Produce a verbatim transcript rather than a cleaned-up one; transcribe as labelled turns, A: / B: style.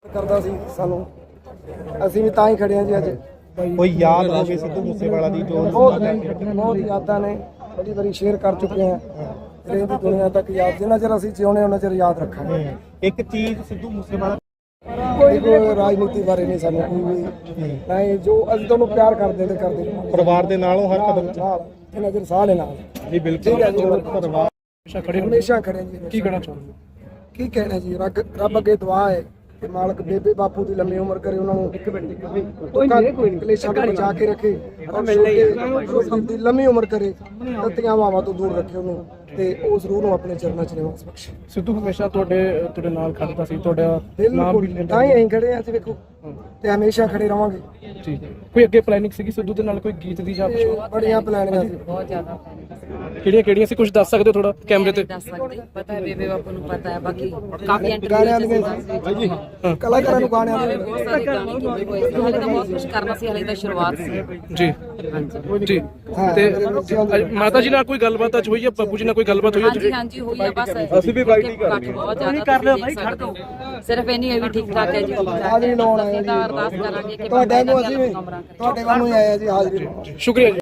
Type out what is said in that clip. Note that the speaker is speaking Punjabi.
A: ਕਰਦਾ ਸੀ ਸਾਨੂੰ, ਅਸੀਂ ਵੀ ਤਾਂ ਹੀ ਖੜੇ ਹਾਂ ਜੀ ਅੱਜ।
B: ਕੋਈ ਯਾਦ ਹੋਵੇ ਸਿੱਧੂ ਮੂਸੇਵਾਲਾ ਦੀ ਜੋ
A: ਬਹੁਤ ਬਹੁਤ ਯਾਦਾਂ ਨੇ, ਬੜੀ ਵਾਰੀ ਸ਼ੇਅਰ ਕਰ ਚੁੱਕੇ ਹਾਂ। ਇਹ ਦੀ ਦੁਨੀਆ ਤੱਕ ਯਾਦ, ਜਿੰਨਾ ਚਿਰ ਅਸੀਂ ਜਿਉਣੇ ਉਹਨਾਂ ਚਿਰ ਯਾਦ ਰੱਖਾਂਗੇ।
B: ਇੱਕ ਚੀਜ਼ ਸਿੱਧੂ ਮੂਸੇਵਾਲਾ
A: ਕੋਈ ਕੋਈ ਰਾਜਨੀਤੀ ਬਾਰੇ ਨਹੀਂ ਸਾਨੂੰ ਕੋਈ ਵੀ ਨਹੀਂ, ਜੋ ਅਸੀਂ ਤੁਹਾਨੂੰ ਪਿਆਰ ਕਰਦੇ ਤੇ ਕਰਦੇ
B: ਪਰਿਵਾਰ ਦੇ ਨਾਲੋਂ ਹਰ ਕਦਮ
A: ਨਾਲ, ਜਿੰਨਾ ਚਿਰ ਸਾਹ ਲੈ ਨਾਲ
B: ਜੀ ਬਿਲਕੁਲ ਪਰਿਵਾਰ
A: ਹਮੇਸ਼ਾ ਖੜੇ ਹਮੇਸ਼ਾ ਖੜੇ ਜੀ। ਕੀ ਕਹਿਣਾ ਚਾਹੁੰਦੇ? ਕੀ ਕਹਿਣਾ ਜੀ, ਰੱਬ ਰੱਬ ਅੱਗੇ ਦੁਆ ਹੈ ਕਿ ਮਾਲਕ ਬੇਬੇ ਬਾਪੂ ਦੀ ਲੰਮੀ ਉਮਰ ਕਰੇ, ਉਹਨਾਂ ਨੂੰ ਇੱਕ ਮਿੰਟ ਕੋਈ ਕਲੇਸ਼ਾਂ ਤੋਂ ਬਚਾ ਕੇ ਰੱਖੇ, ਦੀ ਲੰਮੀ ਉਮਰ ਕਰੇ, ਤਤੀਆਂ ਹਵਾਵਾਂ ਤੋਂ ਦੂਰ ਰੱਖੇ ਉਹਨੂੰ, ਤੇ ਉਸ ਰੂਹ ਨੂੰ ਆਪਣੇ ਚਰਨਾਂ 'ਚ ਨਿਵਾਸ ਬਖਸ਼ੇ।
C: ਸਿੱਧੂ ਹਮੇਸ਼ਾ ਤੁਹਾਡੇ ਤੁਹਾਡੇ ਨਾਲ ਖੜਦਾ ਸੀ, ਤੁਹਾਡਾ ਨਾਮ ਵੀ ਲੈਂਦਾ
A: ਤਾਂ ਹੀ ਅਸੀਂ ਖੜੇ ਹਾਂ, ਵੇਖੋ, ਤੇ ਹਮੇਸ਼ਾ ਖੜੇ ਰਵਾਂਗੇ
C: ਜੀ। ਕੋਈ ਅੱਗੇ ਪਲੈਨਿੰਗ ਸੀਗੀ ਸਿੱਧੂ ਦੇ ਨਾਲ ਕੋਈ ਗੀਤ ਦੀ ਜਾਂ ਕੁਛ?
A: ਬੜੀਆਂ ਪਲਾਨਿੰਗਾਂ ਸੀ,
D: ਬਹੁਤ ਜ਼ਿਆਦਾ
C: ਕਿਹੜੀਆਂ ਕਿਹੜੀਆਂ ਸੀ, ਕੁਝ ਦੱਸ ਸਕਦੇ ਹੋ ਥੋੜਾ ਕੈਮਰੇ ਤੇ?
D: ਦੱਸ ਸਕਦੇ, ਪਤਾ ਹੈ ਬੇਬੇ ਬਾਪੂ ਨੂੰ ਪਤਾ ਹੈ, ਬਾਕੀ ਕਾਫੀ
A: ਗਾਣਿਆਂ
D: ਇੰਟਰਵਿਊ
A: ਦੀਆਂ ਕਲਾਕਾਰਾਂ ਨੂੰ ਗਾਣਿਆਂ ਦੇ
D: ਬਹੁਤ ਸਾਰੇ ਗਾਣੇ ਕੀਤੇ ਹੋਏ ਸੀ। ਹਾਲੇ ਤਾਂ ਬਹੁਤ ਕੁਝ ਕਰਨਾ ਸੀ, ਹਾਲੇ ਤਾਂ ਸ਼ੁਰੂਆਤ ਸੀ
C: ਜੀ ਜੀ। ਤੇ ਅੱਜ ਮਾਤਾ ਜੀ ਨਾਲ ਕੋਈ ਗੱਲਬਾਤ ਅੱਜ ਹੋਈ ਹੈ, ਬਾਪੂ ਜੀ ਨਾਲ ਕੋਈ ਗੱਲਬਾਤ ਹੋਈ ਹੈ?
D: ਹਾਂਜੀ ਹਾਂਜੀ ਹੋਈ ਹੈ, ਬਸ ਅਸੀਂ ਵੀ ਬਾਈਟ ਕਰ ਰਹੇ ਹਾਂ, ਬਹੁਤ ਜ਼ਿਆਦਾ ਕਰ ਲਿਓ ਭਾਈ, ਖੜ ਦੋ, ਸਿਰਫ ਇੰਨੀ ਹੈ ਵੀ ਠੀਕ ਠਾਕ ਹੈ ਜੀ।
A: ਹਾਜ਼ਰੀ ਲਾਉਣ ਆਏ
D: ਅਸੀਂ
A: ਜੀ,
D: ਤਾਂ ਅਰਦਾਸ ਕਰਾਂਗੇ ਕਿ
A: ਤੁਹਾਡੇ ਨੂੰ ਅਸੀਂ ਵੀ ਤੁਹਾਡੇ ਵੱਲੋਂ ਹੀ ਆਏ ਆ ਜੀ ਹਾਜ਼ਰੀ ਲਾਉਣ।
C: ਸ਼ੁਕਰੀਆ ਜੀ।